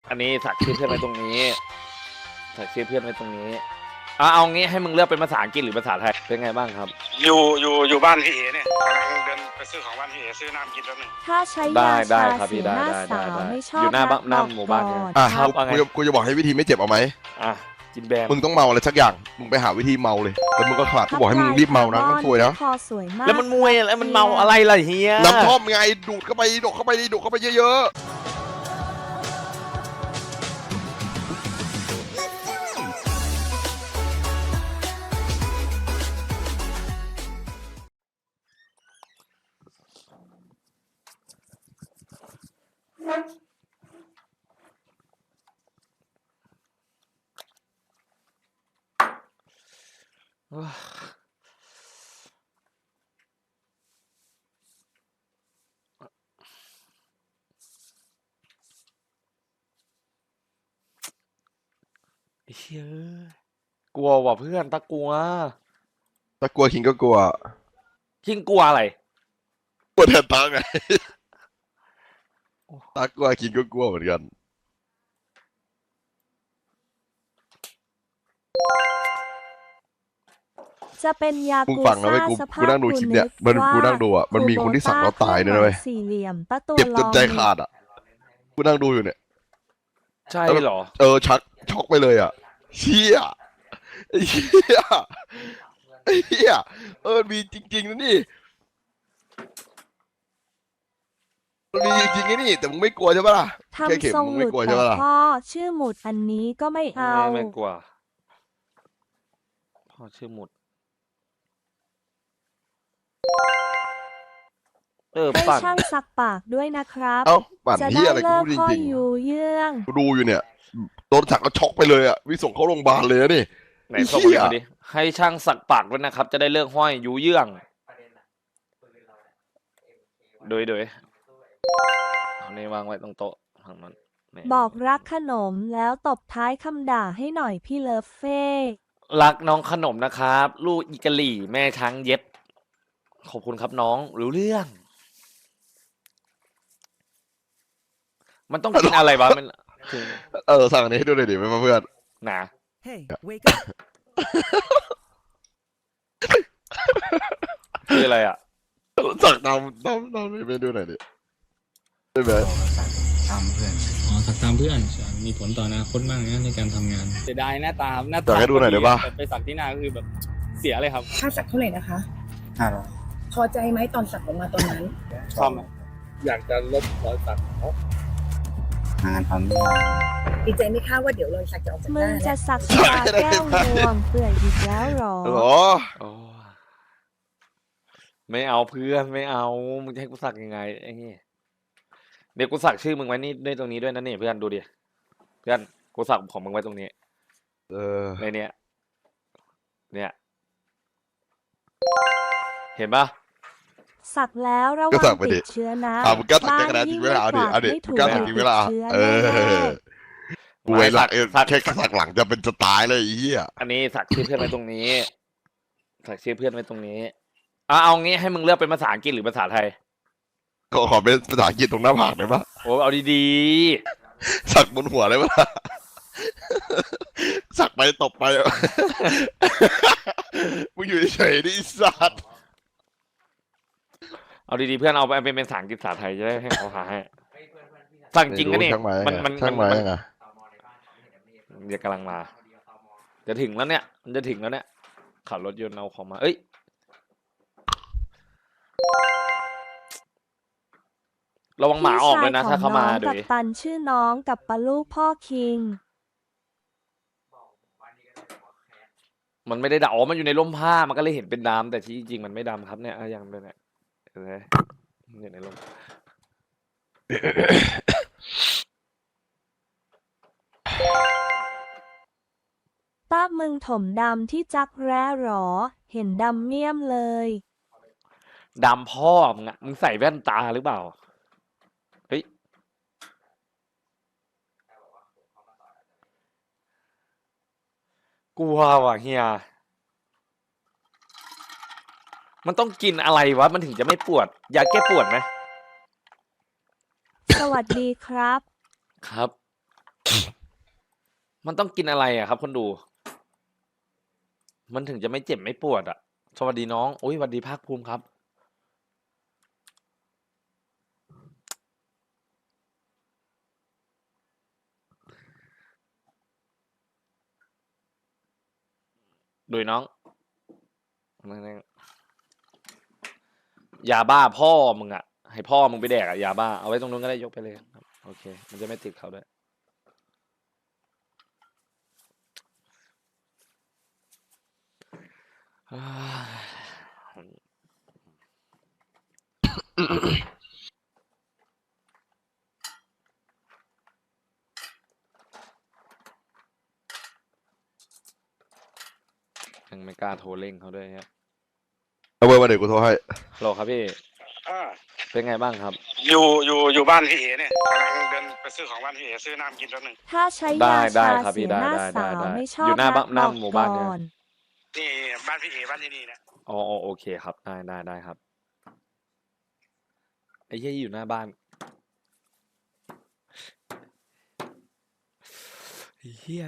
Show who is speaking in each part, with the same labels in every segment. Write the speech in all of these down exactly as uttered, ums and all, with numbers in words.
Speaker 1: อันนี้สักชื่อเพื่อนไว้ตรงนี้สักชื่อเพื่อนไว้ตรงนี้เอาเอางี้ให้มึงเลือกเป็นภาษาอังกฤษหรือภาษาไทยเป็นไงบ้างครับ
Speaker 2: อยู่อยู่อยู่บ้านพี่เอเนี่ยกำลังเดินไปซื้อของบ้านพี่เอซื้อน้ำกินแล้วหนึ่ง
Speaker 3: ถ้าใช้
Speaker 1: ได้
Speaker 3: ยา
Speaker 1: ได้
Speaker 3: ชา
Speaker 1: ครับพี่
Speaker 3: เสีย
Speaker 1: ได้
Speaker 3: หน้า
Speaker 1: ได้
Speaker 3: สาว
Speaker 1: ได้
Speaker 3: ไม่ชอบ
Speaker 1: อยู่หน้าบ้านหน้า
Speaker 3: บก
Speaker 1: หมู่บ้านเนี่ย
Speaker 3: ก่อ
Speaker 4: อ่ะ
Speaker 1: ครับ
Speaker 4: กู
Speaker 1: ว่าไง
Speaker 4: กูจะกูจะบอกให้วิธีไม่เจ็บเอาไหม
Speaker 1: อ่ะกินแบน
Speaker 4: มึงต้องเมาอะไรสักอย่างมึงไปหาวิธีเมาเลยแล้วมึงก็ขลาดกูบอกให้มึงรีบเมานะต้องช่วยนะ
Speaker 3: คอสวยมาก
Speaker 1: แล้วมันมวยแล้วมันเมาอะไรล่ะเฮีย
Speaker 4: น้ำท่อมไงดูดเข้าไปดูดเข้าไปดิดูดเข้าไปเยอะ
Speaker 1: เฮียกลัวว่ะเพื่อนตะกลัว
Speaker 4: ๆถ้ากลัวคิงก็กลัว
Speaker 1: ยิ่งกลัวอะไร
Speaker 4: กลัวแทนตาไงตากลัวคิงก็กลัวเหมือนกัน
Speaker 3: จะเป็นยา
Speaker 4: มึง
Speaker 3: กู
Speaker 4: ฟังนะ
Speaker 3: ซ่า
Speaker 4: เว้ยกู
Speaker 3: สภา
Speaker 4: กู
Speaker 3: พ
Speaker 4: นั่งดูคลิปเนี่ยมันกูนั่งดูอ่ะมันมีคนที่สักแล้วตายด้วยนะเว้ย
Speaker 3: สี่เหลี่ยมป้าตัว
Speaker 4: เจ็บจ
Speaker 3: ล
Speaker 4: น
Speaker 3: อง
Speaker 4: ใจขาดอ่ะกูนั่งดูอยู่เนี่ย
Speaker 1: ใช่เหรอ
Speaker 4: เออชักช็อกไปเลยอ่ะเชี่ยไอ้เชี่ยไอ้เหี้ยเออมีจริงๆนะนี่มันมีจริงๆไอ้นี่แต่มึงไม่กลัวใช่ปะล่ะแค่
Speaker 3: ทำ
Speaker 4: เข็ม
Speaker 3: ทรง
Speaker 4: มึง
Speaker 3: ห
Speaker 4: ไม่
Speaker 3: ลุด
Speaker 4: กลัวใช่
Speaker 3: แต่
Speaker 4: ปะล่ะ
Speaker 3: พ่อชื่อหมุดอันนี้ก็ไม่เอา
Speaker 1: ไม่ไม่กลัวพ่อชื่อหมุดเออ
Speaker 3: ได้
Speaker 1: ปั่น
Speaker 3: ช่างสักปากด้วยนะครับ
Speaker 4: เอ้าปั่น
Speaker 3: จะ
Speaker 4: เหี้
Speaker 3: ได้
Speaker 4: ยอะไรกู
Speaker 3: เลิก
Speaker 4: พูดจ
Speaker 3: พ่อ
Speaker 4: ริง
Speaker 3: อยู่เยื่อง
Speaker 4: ๆกูดูอยู่เนี่ยโดนสักแล้วช็อกไปเลยอ่ะวิส่งเข้าโรงพยาบาลเลยอะนี่
Speaker 1: ไหนส่งมาดิมาดิให้ช่างสักปากด้วยนะครับ จะได้เลิกห้อยยูเยื่องโดยโดยเอานี่วางไว้ตรงโต๊ะทางนั้นนี่
Speaker 3: บอกรักขนมแล้วตบท้ายคำด่าให้หน่อยพี่เลิฟเฟ่
Speaker 1: รักน้องขนมนะครับ ลูกอีกะหลี่แม่ช้างเย็บ ขอบคุณครับน้องรู้เรื่อง มันต้องกินอะไรวะมันถึง
Speaker 4: เออสั่งอันนี้ให้ดูหน่อยดิไม่มาเพื่อน
Speaker 1: หนา
Speaker 5: Hey, wake up.
Speaker 1: คืออะไรอ่ะ
Speaker 4: สั่งตามตามตามไปดูหน่อยดิได้ไหม
Speaker 6: ตามเพื่อน
Speaker 7: อ๋อสักตามเพื่อนมีผลต่ออนาคตมากนะในการทำงาน
Speaker 8: เสียดายหน้าตาหน้า
Speaker 4: สั่
Speaker 8: ตาง
Speaker 4: ให้ดูหน่อยได้ปะ
Speaker 8: แต่ไปสักที่หน้าก็คือแบบเสียเลยครับ
Speaker 9: ค่าสักเท่าไหร่นะคะ
Speaker 6: ห้าร้อย
Speaker 9: พอใจไหมตอนสักออกมาตอนนั้น
Speaker 8: ซ่อมอยากจะลบรอยสัก
Speaker 6: หางานทำไม่ได้
Speaker 9: ดีใจไหมคะว่าเดี๋ยวรอยสักจะออกจากห
Speaker 3: มึง
Speaker 9: น้า
Speaker 3: จะ
Speaker 9: เนี่ย
Speaker 3: สักตาแก้วงวงเปื่อยอีกแล้วหรอ
Speaker 4: เหรอ
Speaker 1: โอ้ไม่เอาเพื่อนไม่เอามึงจะให้กูสักยังไงไอ้เหี้ยเดี๋ยวกูสักชื่อมึงไว้นี่ด้วยตรงนี้ด้วยนะนี่เพื่อนดูดิเพื่อนกูสักของมึงไว้ตรงนี้
Speaker 4: เออ
Speaker 1: ในเนี้ยเนี่ย เห็นปะ
Speaker 3: สักแล้วระ
Speaker 4: ก็
Speaker 3: วั
Speaker 4: สั
Speaker 3: ง
Speaker 4: กไป
Speaker 3: ติ
Speaker 4: ดิ
Speaker 3: ดเชื้อนะ
Speaker 4: อ่ะมึงกล้าสัก
Speaker 3: บ้า
Speaker 4: แค่กระดาษจริงเวลาเอาดิ
Speaker 3: ยิ่
Speaker 4: เอาดิ
Speaker 3: ไม่
Speaker 4: มึงกล้าสักจริงเวลา
Speaker 3: ติดชื้
Speaker 4: เอ
Speaker 3: แน่
Speaker 4: อ
Speaker 3: ๆ
Speaker 4: กูไอ้หลักเออแค่สักหลังจะเป็นสไตล์เลยไอ้เหี้ย
Speaker 1: อันนี้สักชื่อเพื่อนไว้ตรงนี้ สักชื่อเพื่อนไว้ตรงนี้เอาเอางี้ให้มึงเลือกเป็นภาษาอังกฤษหรือภาษาไทย
Speaker 4: ก็ขอเป็นภาษาอังกฤษตรงหน้าผากได้ปะ
Speaker 1: โอ้เอาดี
Speaker 4: สักบนหัวได้ปะสักไปตบไป มึงอยู่เฉยๆดิไอ้สัตว์
Speaker 1: ๆเอาดีๆเพื่อนเอาไปเป็นภาษาอังกฤษภาษาไทยจะได้ให้เขาหาให้สักจริงนะนี่
Speaker 4: ช่างไม้
Speaker 1: มันมัน
Speaker 4: ช่างไม้
Speaker 1: มัน
Speaker 4: ไง
Speaker 1: เดี๋ยวกำลังมา จะถึงแล้วเนี่ย มันจะถึงแล้วเนี่ยขับรถยนต์เอาของมา เอ้ย ระวังหมาออกเลยนะ ถ้าเข้ามา
Speaker 3: พี่ชยของน้อง
Speaker 1: ดู
Speaker 3: กั
Speaker 1: ดิ
Speaker 3: บตันชื่อน้องกับปลาลูกพ่อคิง
Speaker 1: มันไม่ได้ดำอ๋อมันอยู่ในร่มผ้า มันก็เลยเห็นเป็นดำแต่ที่จริงๆมันไม่ดำครับเนี่ยอ่ะยังเป็นเนี่ยเห็นไหมมันอยู่ในร่ม
Speaker 3: ต้ามึงถมดำที่จักแร้หรอ เห็นดำเมี่ยมเลย
Speaker 1: ดำพ่อมึงอะมึงใส่แว่นตาหรือเปล่า เฮ้ย กลัวว่ะเฮีย มันต้องกินอะไรวะ มันถึงจะไม่ปวด ยาแก้ปวดไหม
Speaker 3: สวัสดีครับ
Speaker 1: ครับมันต้องกินอะไรอ่ะครับคนดู มันถึงจะไม่เจ็บไม่ปวดอ่ะ สวัสดีน้องอุ้ยสวัสดีภาคภูมิครับ โดยน้อง ยาบ้าพ่อมึงอ่ะ ให้พ่อมึงไปแดกอ่ะยาบ้า เอาไว้ตรงนู้นก็ได้ยกไปเลยครับ โอเค มันจะไม่ติดเขาด้วย อ่ายังไม่กล้าโทรเร่งเขาด้วยฮะ
Speaker 4: เอาเบอร์มาเดี๋ยวกูโทรให้
Speaker 1: ฮัลโหลครับพี่
Speaker 2: อ่า
Speaker 1: เป็นไงบ้างครับ
Speaker 2: อยู่อยู่อยู่บ้านพี่เอเนี่ยกำลังเดินไปซื้อของบ้านพี่เอซื้อน้ำกินแป๊บหนึง
Speaker 3: ถ้าใช้
Speaker 1: ได้
Speaker 3: ยา
Speaker 1: ได้
Speaker 3: ชา
Speaker 1: ครับพี่
Speaker 3: เสียหน้า
Speaker 1: ได้ได้
Speaker 3: สาว
Speaker 1: ได้
Speaker 3: ไม่ชอบ
Speaker 1: อยู่หน้า
Speaker 3: รัก
Speaker 1: บ้านหน้า
Speaker 3: บอก
Speaker 1: หมู่บ้านเนี่ย
Speaker 3: ก่อน
Speaker 2: นี่บ้านพี่เอบ้านที่นี่เนี่ย
Speaker 1: อ๋ออ๋อโอเคครับ ได้ได้ได้ครับ ไอ้เหี้ยอยู่หน้าบ้านไอ้เหี้ย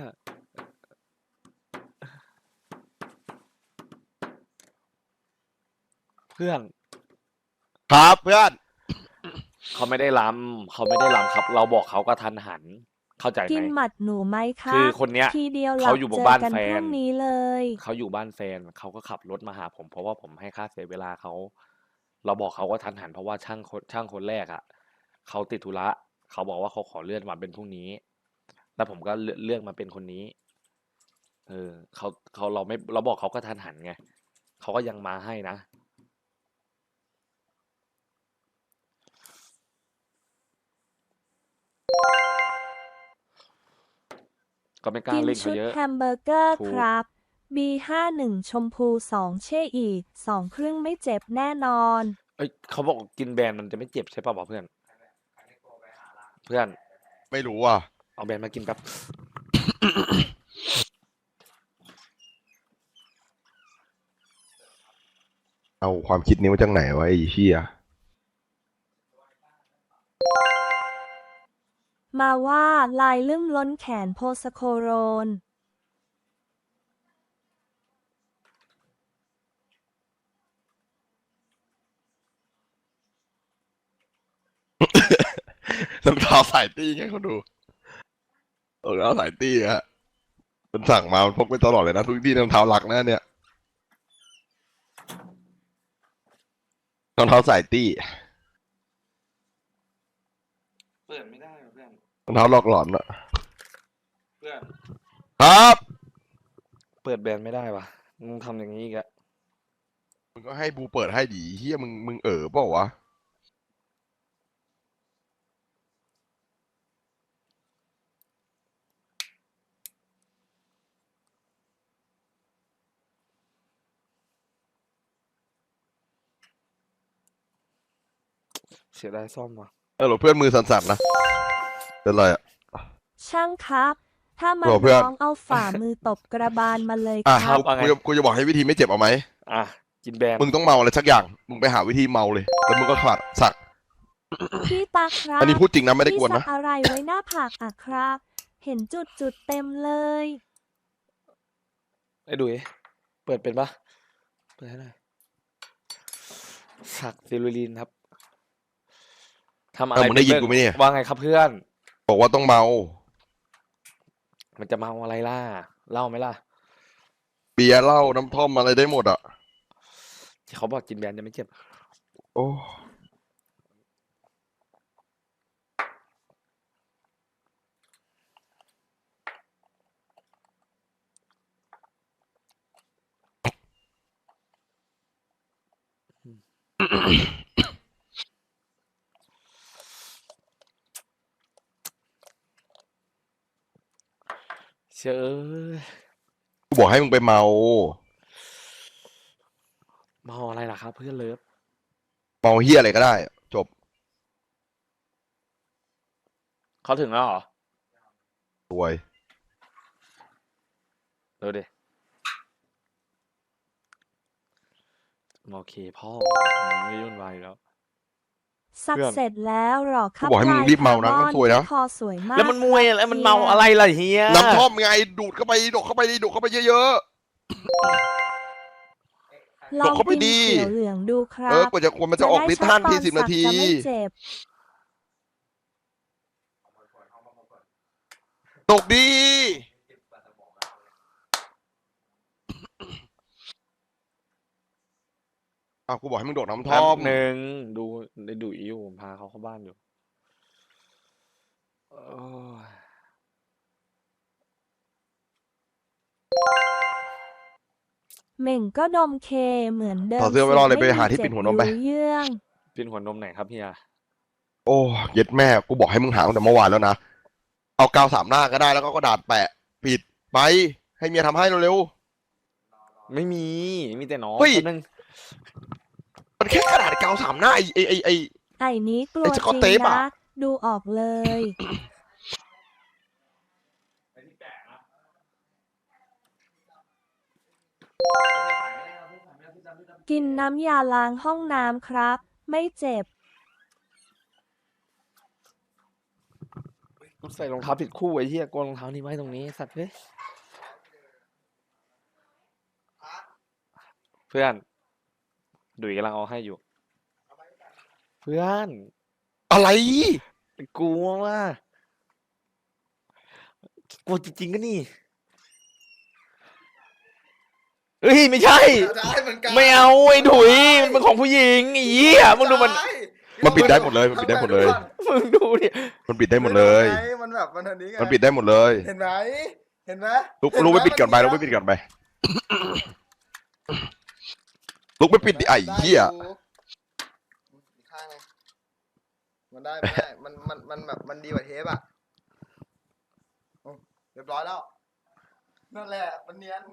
Speaker 1: เพื่อน
Speaker 4: ครับเพื่อน
Speaker 1: เขาไม่ได้ล้ำเขาไม่ได้ล้ำครับ เราบอกเขาก็ทันหัน เข้าใจไห
Speaker 3: กิน
Speaker 1: ม
Speaker 3: หมัดหนูไหมคะ
Speaker 1: คือคนเนี้ย
Speaker 3: ทีเดียวหลั
Speaker 1: เขา
Speaker 3: บ
Speaker 1: อยู่บ
Speaker 3: เจ
Speaker 1: น
Speaker 3: อ
Speaker 1: บ้าน
Speaker 3: กัน
Speaker 1: แฟ
Speaker 3: พรุ่
Speaker 1: น
Speaker 3: งนี้เลย
Speaker 1: เขาอยู่บ้านแฟนเขาก็ขับรถมาหาผม เพราะว่าผมให้ค่าเสียเวลาเขา เราบอกเขาก็ทันหัน เพราะว่าช่างคนช่างคนแรกอ่ะเขาติดธุระเขาบอกว่าเขาขอเลื่อนมาเป็นพรุ่งนี้ แล้วผมก็เลือกเลือกมาเป็นคนนี้ เออเขาเขาเราไม่เราบอกเขาก็ทันหันไงเขาก็ยังมาให้นะ ก็ไม่กล้า
Speaker 3: กิน
Speaker 1: เร่ง
Speaker 3: ชุ
Speaker 1: เขา
Speaker 3: ด
Speaker 1: เยอะ
Speaker 3: แฮมเบอร์เกอร์
Speaker 1: ถูก
Speaker 3: ครับ บี ห้าหนึ่ง ชมพูสองเช่อีกสองครึ่งไม่เจ็บแน่นอน
Speaker 1: เอ้ยเขาบอกกินแบรนด์มันจะไม่เจ็บใช่ป่ะวะเพื่อน เพื่อน
Speaker 4: ไม่รู้อ่ะ
Speaker 1: เอาแบรนด์มากินแป๊บ
Speaker 4: เอาความคิดนี้มาจากไหนวะไอ้เหี้ย
Speaker 3: มาว่าลายลืมล้นแขนโพสโคโรน
Speaker 4: รองเท้าสายตี้ไงเขาดูรองเท้าสายตี้ฮะมันสั่งมามันพกไปตลอดเลยนะทุกที่รองเท้าหลักนะเนี่ยรองเท้าสายตี้
Speaker 1: เปิดไม่ได้เพื่อน
Speaker 4: รองเท้าหลอกหลอนอะ
Speaker 1: เพื่อน
Speaker 4: ครับ
Speaker 1: เปิดแบรนด์ไม่ได้วะมึงทำอย่างนี้อีกอะ
Speaker 4: มึงก็ให้บูเปิดให้ดีเฮียมึงมึงเออเปล่าวะ
Speaker 1: เสียดายซ่อมว่ะ
Speaker 4: เออหรอเพื่อนมือสั่นๆนะเป็นไรอะ
Speaker 3: ช่างครับ ถ้ามัน
Speaker 4: โอ้เพื่อน
Speaker 3: น้องเอาฝ่ามือตบกระบาลมาเลย
Speaker 4: อ่ะ
Speaker 3: ครับ
Speaker 1: ว่าไง
Speaker 4: กูจะกูจะบอกให้วิธีไม่เจ็บเอาไหม
Speaker 1: อ่ะกินแบรนด์
Speaker 4: มึงต้องเมาอะไรสักอย่าง มึงไปหาวิธีเมาเลย แล้วมึงก็ขาดสัก
Speaker 3: พี่ตาครับ
Speaker 4: อันนี้พูดจริงนะไม่ได้ก
Speaker 3: พี่
Speaker 4: วน
Speaker 3: สั
Speaker 4: นะ
Speaker 3: กอะไรไว้หน้าผากอ่ะครับ เห็นจุดจุดๆเต็มเลย
Speaker 1: ไอ้ดุยเปิดเป็นปะเปิดให้หน่อยสักซิลูลินครับทำอะ
Speaker 4: เอ
Speaker 1: ไร
Speaker 4: อมึงได้ยิน
Speaker 1: เป็
Speaker 4: กูไหมเนี่ย
Speaker 1: ว่าไงครับเพื่อน
Speaker 4: บอกว่าต้องเมา
Speaker 1: มันจะเมาอะไรล่ะเล่าไหมล่ะ
Speaker 4: เบียร์เหล้าน้ำท่อมอะไรได้หมดอ่ะ
Speaker 1: ที่เขาบอกกินแบรนด์จะไม่เจ็บ
Speaker 4: โอ้
Speaker 1: เชื่อ
Speaker 4: กูบอกให้มึงไปเมา
Speaker 1: เมาอะไรล่ะครับเพื่อนเลิฟ
Speaker 4: เมาเฮียอะไรก็ได้ จบ
Speaker 1: เขาถึงแล้วเหรอ
Speaker 4: รวย
Speaker 1: ดูดิโอเคพ่อมันไม่ยุ่นวายอยู่แล้ว
Speaker 3: สัก
Speaker 1: เพื่อน
Speaker 3: เสร็จแล้วหรอครับ
Speaker 4: กูบอกให้มึง
Speaker 3: ลาย
Speaker 4: รีบเมานะ
Speaker 3: คร์บ
Speaker 4: มันสวยนะ
Speaker 3: ที่คอสวยมาก
Speaker 1: แล้วมันมวย
Speaker 3: ครับ
Speaker 1: อะไรมัน
Speaker 3: ฮีย
Speaker 1: เมาอะไรล่ะเฮีย
Speaker 4: น้ำท่อมไงดูดเข้าไปดูดเข้าไปดูดเข้าไปเยอะ
Speaker 3: ลอง
Speaker 4: เข้าไป
Speaker 3: กิน
Speaker 4: ดี
Speaker 3: เขียวเหลืองดูค
Speaker 4: ๆ
Speaker 3: รั
Speaker 4: เออบ กว่าจะควรมันจะออกฤทธิ์ท่านทีสิบนาที
Speaker 3: จะไม่เจ็บ
Speaker 4: ตกดีอ้าวกูบอกให้มึงโดดน้ำท่
Speaker 1: แป๊
Speaker 4: อบ ม
Speaker 1: หนึ่งดูได้ดูอีอยู่ผมพาเขาเข้าบ้านอยู่โอ้ย
Speaker 3: เหม่งก็ดมเคเหมือนเดิม
Speaker 4: ถอดเสื้อไว้รอเลยไปหาที่
Speaker 3: จ็บ
Speaker 4: ปิดหัวนมไป
Speaker 3: รู้เยื่อง
Speaker 1: เป็นหัวนมไหนครับเฮีย
Speaker 4: โอ้เย็ดแม่กูบอกให้มึงหาตั้งแต่เมื่อวานแล้วนะเอากาวสามหน้าก็ได้แล้วก็กระดาษแปะปิดไปให้เมียทำให้เร็ว
Speaker 1: ไม่มีมีแต่น้อง
Speaker 4: เฮ้ย
Speaker 1: คนนึง
Speaker 4: ๆมันแค่กระดาษกาวสามหน้าไอ้ไอ้ไอ้ไอ้
Speaker 3: ไอ้นี้กลัว
Speaker 4: ไอ้ส
Speaker 3: จ
Speaker 4: กอต
Speaker 3: ริง
Speaker 4: เทปอะ
Speaker 3: นะ ดูออกเลย กินน้ำยาล้างห้องน้ำครับ ไม่เจ็บ
Speaker 1: กูใส่รองเท้าผิดคู่ไอ้เหี้ยโกนรองเท้านี่ไว้ตรงนี้สัตว์เฮ้ยเพื่อนดุยกำลังเอาให้อยู่ เพื่อน
Speaker 4: อะไร
Speaker 1: กลัวว่ากลัวจริงๆก็นี่เฮ้ยไม่ใช่ ไม่เอาไอ้ดุยมันเป็นของผู้หญิงไอ้เหี้ยมึงดูมัน
Speaker 4: มันปิดได้หมดเลยมันปิดได้หมดเลย
Speaker 1: มึงดูดิ
Speaker 4: มันปิดได้หมดเลย
Speaker 5: มันแบบมันอันนี้ไง
Speaker 4: มันปิดได้หมดเลย
Speaker 5: เห็นไหมเห็นไหม
Speaker 4: ลุกลุกไปปิดก่อนไปลุกไปปิดก่อนไปลุกไปปิดดิไอ้เหี้ย
Speaker 5: อีกข้างไงมันได้มันได้มันมันมันแบบมันดีกว่าเทปอ่ะอืมเรียบร้อยแล้วนั่นแหละมันเนียน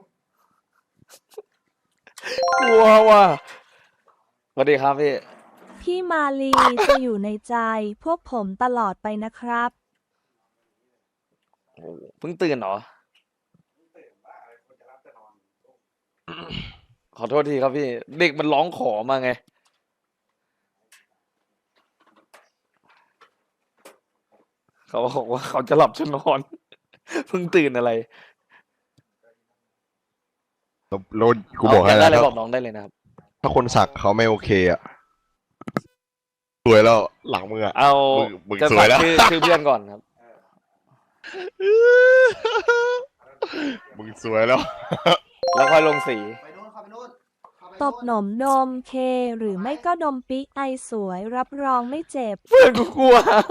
Speaker 1: กลัวว่ะสวัสดีครับพี่
Speaker 3: พี่มาลีจะอยู่ในใจพวกผมตลอดไปนะครับ
Speaker 1: โอ้โหเพิ่งตื่นเหรอ ขอโทษทีครับพี่ เด็กมันร้องขอมาไง เขาบอกว่าเขาจะหลับจะนอน เพิ่งตื่นอะไร
Speaker 4: โลนกูบอกให้
Speaker 1: เา
Speaker 4: แล้ว
Speaker 1: ได้เลย
Speaker 4: ถ้า
Speaker 1: บอกน้องได้เลยนะครับ
Speaker 4: ถ้าคนสักเขาไม่โอเคอ่ะสวยแล้วหลังมืออ่ะ
Speaker 1: เอา
Speaker 4: มึงมึง
Speaker 1: จะ
Speaker 4: สวยแล้ว
Speaker 1: ชื่อชื่อเพื่อนก่อนครับ
Speaker 4: มึงสวยแล้ว
Speaker 1: แล้วค่อยลงสี
Speaker 5: ไปนู่นเข้าไปนู่นเข้าไป
Speaker 3: ต
Speaker 5: นู่น
Speaker 3: บหนมดมเค หรือไม่ก็ดมปิไอสวยรับรองไม่เจ็บ
Speaker 1: เพื่อนกูกลัว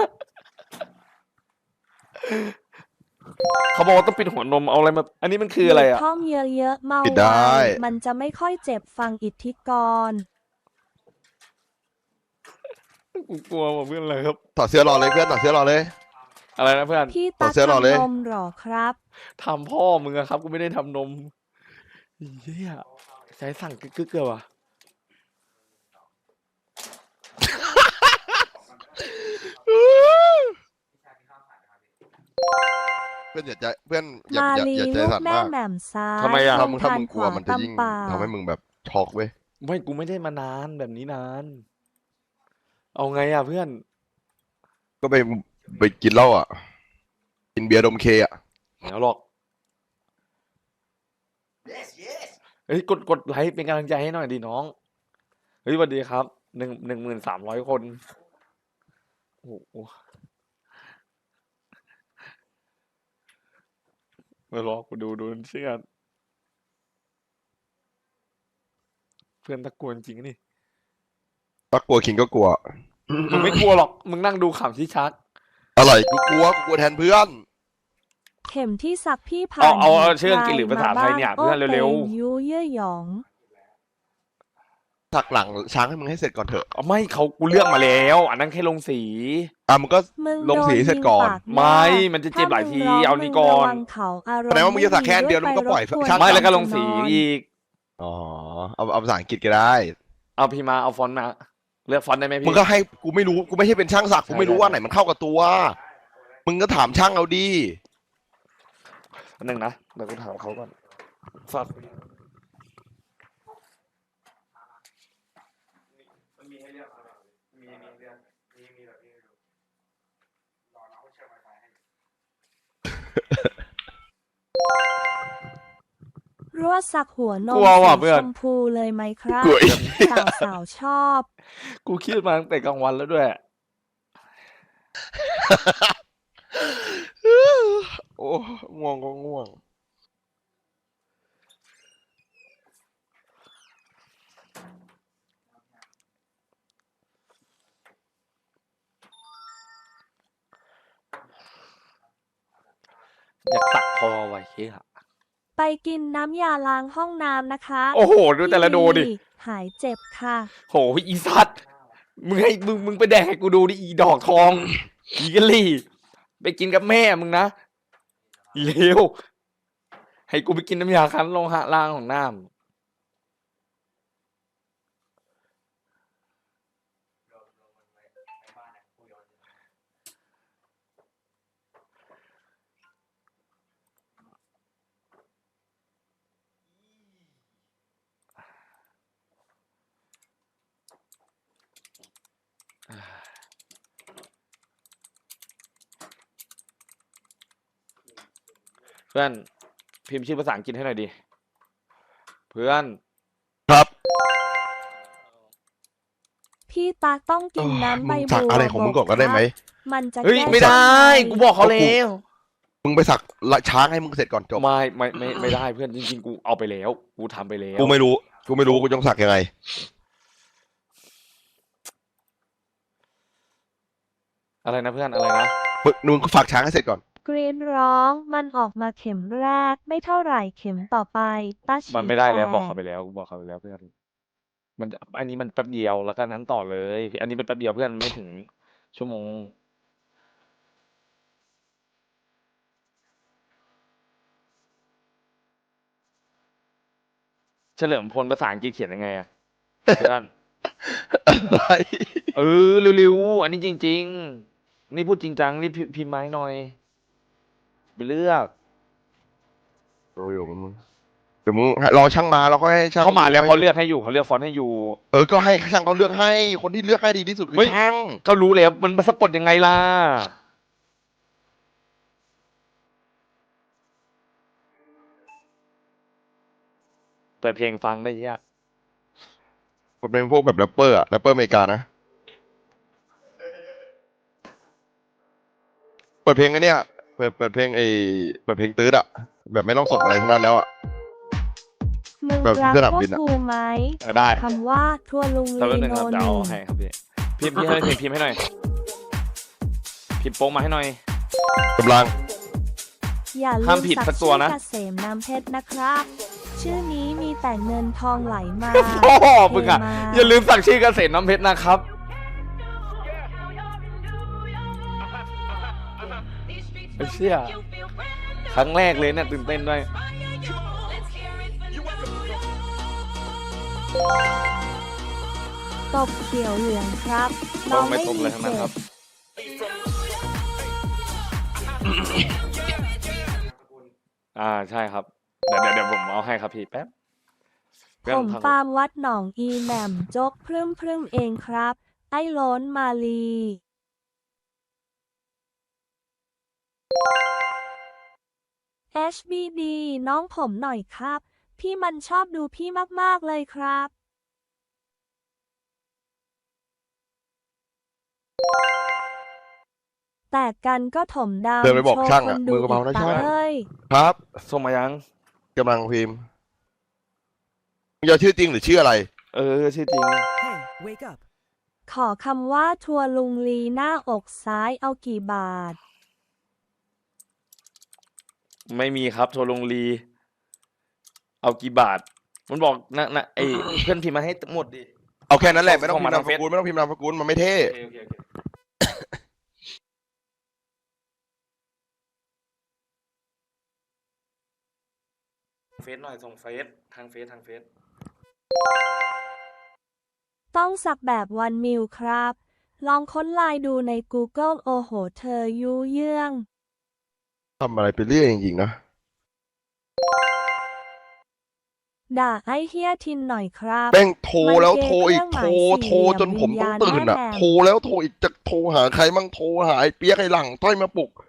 Speaker 1: เขาบอกว่าต้องปิดหัวนมเอาอะไรมา อันนี้มันคืออะไรอ่ะ
Speaker 3: ท่องเยอะๆเมา
Speaker 4: ปิดได้
Speaker 3: ไวมันจะไม่ค่อยเจ็บฟังอิทธิกร
Speaker 1: กูกลัวว่ะเพื่อนอะไรครับ
Speaker 4: ถอดเสื้อรอเลยเพื่อนถอดเสื้อรอเลย
Speaker 1: อะไรนะเพื่อน
Speaker 3: พี่
Speaker 4: ต่
Speaker 3: ตั
Speaker 4: อก เสื้อหล่อเลย
Speaker 3: ทำนมหรอครับ
Speaker 1: ทำพ่อมึงอะครับ กูไม่ได้ทำนมเฮียใจสั่งกึกกึกเลยว่ะ
Speaker 4: เพื่อนอย่าใจเพื่อนอย่า
Speaker 3: มา
Speaker 4: อย่า
Speaker 3: ลี
Speaker 4: อย่าใจ
Speaker 3: ลูก
Speaker 4: สั่น
Speaker 3: แม่
Speaker 4: มาก
Speaker 3: แหม่มซ้าย
Speaker 1: ทำไมอะ
Speaker 4: ถ้ามึงถ้า
Speaker 3: ท
Speaker 4: มึงกลัว
Speaker 3: ข
Speaker 4: มันจะยิ่ง
Speaker 3: ตำป่า
Speaker 4: ทำให้มึงแบบช็อกเว้ย
Speaker 1: ไม่ กูไม่ได้มานานแบบนี้นาน เอาไงอ่ะเพื่อน
Speaker 4: ก็ไปไปกินเหล้าอ่ะ กินเบียร์ดมเคอ่ะ
Speaker 1: เดี๋ยวหรอก เฮ้ย กด กดไลค์เป็นกำลังใจให้หน่อยดิน้อง เฮ้ยสวัสดีครับ หนึ่ง หนึ่งหมื่นสามร้อยคน โอ้โหมารอกูดูดูเชื่อกันเพื่อนตะกวนจริงนี่
Speaker 4: ถ้ากลัวคิงก็กลัว
Speaker 1: มึงไม่กลัวหรอก มึงนั่งดูขำที่ชัก
Speaker 4: อะไรกูกลัวกูกลัวแทนเพื่อน
Speaker 3: เข็มที่สักพี่ผ่า
Speaker 1: เอา
Speaker 3: น
Speaker 1: เอาเอา
Speaker 3: หีบ
Speaker 1: ชื่ออังกฤษหรือภาษาไทยเนี่ย
Speaker 3: โอ้
Speaker 1: เพื่อนเร็วๆ
Speaker 3: ต็มยูเย่อหยอง
Speaker 4: ถักหลังช้างให้มึงให้เสร็จก่อนเถอะ
Speaker 1: เอาไม่เขากูเลือกมาแล้ว อันนั้นแค่ลงสี
Speaker 4: อ่ะมึงก็
Speaker 3: มึง
Speaker 4: ลงสี
Speaker 3: โดน
Speaker 4: เสร็จ
Speaker 3: ยิง
Speaker 4: ก่อน
Speaker 3: ปาก
Speaker 1: ไม่
Speaker 3: แน่
Speaker 1: มันจะเจ็บหลายที
Speaker 3: ถ้มึงร้ง
Speaker 1: เอานี่ก่อน
Speaker 3: มึงระวังเขาอารมณ์
Speaker 4: แสดงว่ามึงจะสักแค่อันเดียวแล้วมึงก็ปล่อย
Speaker 3: ด้
Speaker 4: ช่าง
Speaker 1: ไม่แล้วก็
Speaker 3: ป
Speaker 1: ลงสีอีก
Speaker 4: อ๋อเอาเอาภาษาอังกฤษก็ได้
Speaker 1: เอาพี่มาเอาฟอนต์มา เลือกฟอนต์ได้ไหม
Speaker 4: มึ
Speaker 1: พี่
Speaker 4: งก็ให้กูไม่รู้กูไม่ใช่เป็นช่างสักกูไม่รู้
Speaker 1: ใช่
Speaker 4: ว่าไหนมันเข้ากับตัว มึงก็ถามช่างเอาดี
Speaker 1: อันหนึ่งนะเดี๋ยวกูถามเขาก่อนสัตว์
Speaker 3: รั่วสักหัวนม
Speaker 1: กลัวว่ะ
Speaker 3: สี
Speaker 1: เพื่อน
Speaker 3: ชมพูเลยไหมครับ
Speaker 4: กลัวอีก
Speaker 3: สาวสาวๆชอบ
Speaker 1: กูคิดมาตั้งแต่กลางวันแล้วด้วย
Speaker 4: โอ้ง่วงก็ง่วง
Speaker 1: อยากสักคอไว้เฮ้ย
Speaker 3: ไปกินน้ำยาล้างห้องน้ำนะคะ
Speaker 1: โอ้โห ดูแต่ละโดดิ
Speaker 3: พี่หายเจ็บค่ะ
Speaker 1: โหอีสัตว์มึงให้มึงมึงไปแดกให้กูดูดิอีดอกทอง อีกะลี่ ไปกินกับแม่มึงนะเลวให้กูไปกินน้ำยาคั้นโลหะล่างของน้ำเพื่อนพิมพ์ชื่อภาษาอังกฤษให้หน่อยดิ เพื่อน
Speaker 4: ครับ
Speaker 3: พี่ตาต้องกินน้ำใบ
Speaker 4: มึง
Speaker 3: บั
Speaker 4: สัก
Speaker 3: ว
Speaker 4: อะไรของมึงก่อนก็ได้ไหม
Speaker 3: มันจะ
Speaker 1: เฮ้ย
Speaker 3: แก้
Speaker 1: ไม่ได้
Speaker 3: ไ
Speaker 1: กูบอกเขาแล้ว
Speaker 4: มึงไปสักละช้างให้มึงเสร็จก่อนจบ
Speaker 1: ไม่ไม่ไม่ไม่ได้เพื่อนจริงๆกูเอาไปแล้ว กูทำไปแล้ว
Speaker 4: กูไม่รู้ กูไม่รู้กูต้องสักยังไง
Speaker 1: อะไรนะเพื่อนอะไรนะ
Speaker 4: มึงมึงก็ฝากช้างให้เสร็จก่อน
Speaker 3: กรีนร้องมันออกมาเข็มแรกไม่เท่าไหร่เข็มต่อไปตาฉี
Speaker 1: มันไม่ได้แล้ว
Speaker 3: ต
Speaker 1: บอกเขาไปแล้วบอกเขาไปแล้วเพื่อนมันจะอันนี้มันแป๊บเดียวแล้วก็นั้นต่อเลย อันนี้เป็นแป๊บเดียวเพื่อนไม่ถึงชั่วโมงเฉลิมพลภาษาอังกฤษเขียนยังไงอะเพื่อน
Speaker 4: อะไร
Speaker 1: เออเร็วๆอันนี้จริง ๆ นี่พูดจริงจังนี่พิพิมพ์ไม้หน่อยไปเลือก
Speaker 4: โอ้ยมึงเดี๋ยวมึงรอช่างมาเราก็ให้ช่าง
Speaker 1: เขามาแล้วเขาเลือกให้อยู่เขาเลือกฟอนต์ให้อยู่
Speaker 4: เออ ก็ให้ช่างเขาเลือกให้ คนที่เลือกให้ดีที่สุดคือ
Speaker 1: เฮ้ย
Speaker 4: ช่าง
Speaker 1: ก็รู้แล้วมันสะกดยังไงล่ะเปิดเพลงฟังได้ยาก
Speaker 4: มันเป็นพวกแบบแรปเปอร์อะแรปเปอร์อเมริกานะ เปิดเพลงไอ้เนี่ยเปิดเปิดเพลงไอ้เปิดเพลงตื้ดอะแบบไม่ต้องสดอะไรทั้งนั้นแล้วอะ
Speaker 3: มึง
Speaker 4: แบบ
Speaker 3: รัก
Speaker 4: สนาม
Speaker 3: พว
Speaker 4: บิ
Speaker 3: ก
Speaker 4: นอะ
Speaker 3: กูไหม
Speaker 1: เออได้
Speaker 3: คำว่าทัวลุง
Speaker 1: แป๊บ
Speaker 3: ลี
Speaker 1: นึง
Speaker 3: โน
Speaker 1: ครับ
Speaker 3: ห
Speaker 1: เดี๋ยว
Speaker 3: นึ่
Speaker 1: เอา
Speaker 3: ง
Speaker 1: ให้ครับพี่พิมพ์พี่ให้พิมพ์พิมพ์ให้หน่อยพิมพ์โป้งมาให้หน่อย
Speaker 4: กำลัง
Speaker 3: อย่าลื
Speaker 1: ห้าม
Speaker 3: ม
Speaker 1: ผิด
Speaker 3: สั
Speaker 1: สั
Speaker 3: ก
Speaker 1: กตัว
Speaker 3: ชื่อ
Speaker 1: นะ
Speaker 3: เกษมน้ำเพชรนะครับ ชื่อนี้มีแต่เงินทองไหลมา
Speaker 1: พ่อมึงอ่ะ
Speaker 3: เทมา
Speaker 1: อย่าลืมสั่งชื่อเกษตรน้ำเพชรนะครับไอ้เชี่ยครั้งแรกเลยเนี่ยตื่นเต้นด้วย
Speaker 3: ตบเขียวเหลืองครับ
Speaker 1: ต้
Speaker 3: น้
Speaker 1: อ
Speaker 3: อง ง
Speaker 1: ไม่
Speaker 3: ไม่
Speaker 1: ตบ
Speaker 3: มี
Speaker 1: เลยทั้งนั้น
Speaker 3: เจ็
Speaker 1: ครับ บ อ่าใช่ครับ เดี๋ยวเดี๋ยวเดี๋ยวผมเอาให้ครับพี่แป๊บเพื่อน
Speaker 3: ผม
Speaker 1: ทาง
Speaker 3: ฟาร์มวัดหนองอีแหม่มจกพรึ่มพรึ่มเองครับ ไอ้โล้นมาลี เอช บี ดี น้องผมหน่อยครับ พี่มันชอบดูพี่มากๆเลยครับ แต่กันก็ถมดำ
Speaker 4: เดินไปบอก
Speaker 3: โชว์
Speaker 4: ช่าง
Speaker 3: ค
Speaker 4: อะ
Speaker 3: น
Speaker 4: มื
Speaker 3: ดู
Speaker 4: อกระเป๋านะ
Speaker 3: อีก
Speaker 4: ช่าง
Speaker 3: ตาเอ้ย
Speaker 4: ครับ
Speaker 1: ส่งมายัง
Speaker 4: กำลังพิมพ์มึงจะชื่อจริงหรือชื่ออะไร
Speaker 1: เออชื่อจริง
Speaker 3: ขอคำว่าทัวลุงลีหน้าอกซ้ายเอากี่บาท
Speaker 1: ไม่มีครับโทรลงรี เอากี่บาท มันบอกนะนะไอเพื่อนพิมพ์มาให้หมดดิ
Speaker 4: เอาแค่นั้นแหละไม่ต้อง
Speaker 1: ส่ง
Speaker 4: พิม
Speaker 1: มา
Speaker 4: พ์นาม
Speaker 1: ทาง
Speaker 4: สกุล
Speaker 1: เฟซ
Speaker 4: ไม่ต้องพิมพ์นามสกุลมันไม่เท่
Speaker 1: โอเคโอเคโอเคเฟซหน่อยส่งเฟซทางเฟซทางเฟซ
Speaker 3: ต้องสักแบบวันมิวครับ ลองค้นไลน์ดูใน Google โอ้โหเธอยุเยื่อง
Speaker 4: ทำอะไรไปเรื่อยจริงๆนะ
Speaker 3: ด่าไอ้เฮียทินหน่อยครับ
Speaker 4: แม่งโทรแล้ว
Speaker 3: มันเก
Speaker 4: โทรอีก
Speaker 3: เครื่
Speaker 4: โท
Speaker 3: อง
Speaker 4: ร
Speaker 3: หมาย
Speaker 4: โทรจนผมต้องตื่นอ่ะ
Speaker 3: สี่เหลี่ยมวิญญาณแม่แม่
Speaker 4: โทรแล้วโทรอีกจะโทรหาใครมั่งโทรหาไอ้เปียกไอ้หลังต้อยมาปลุก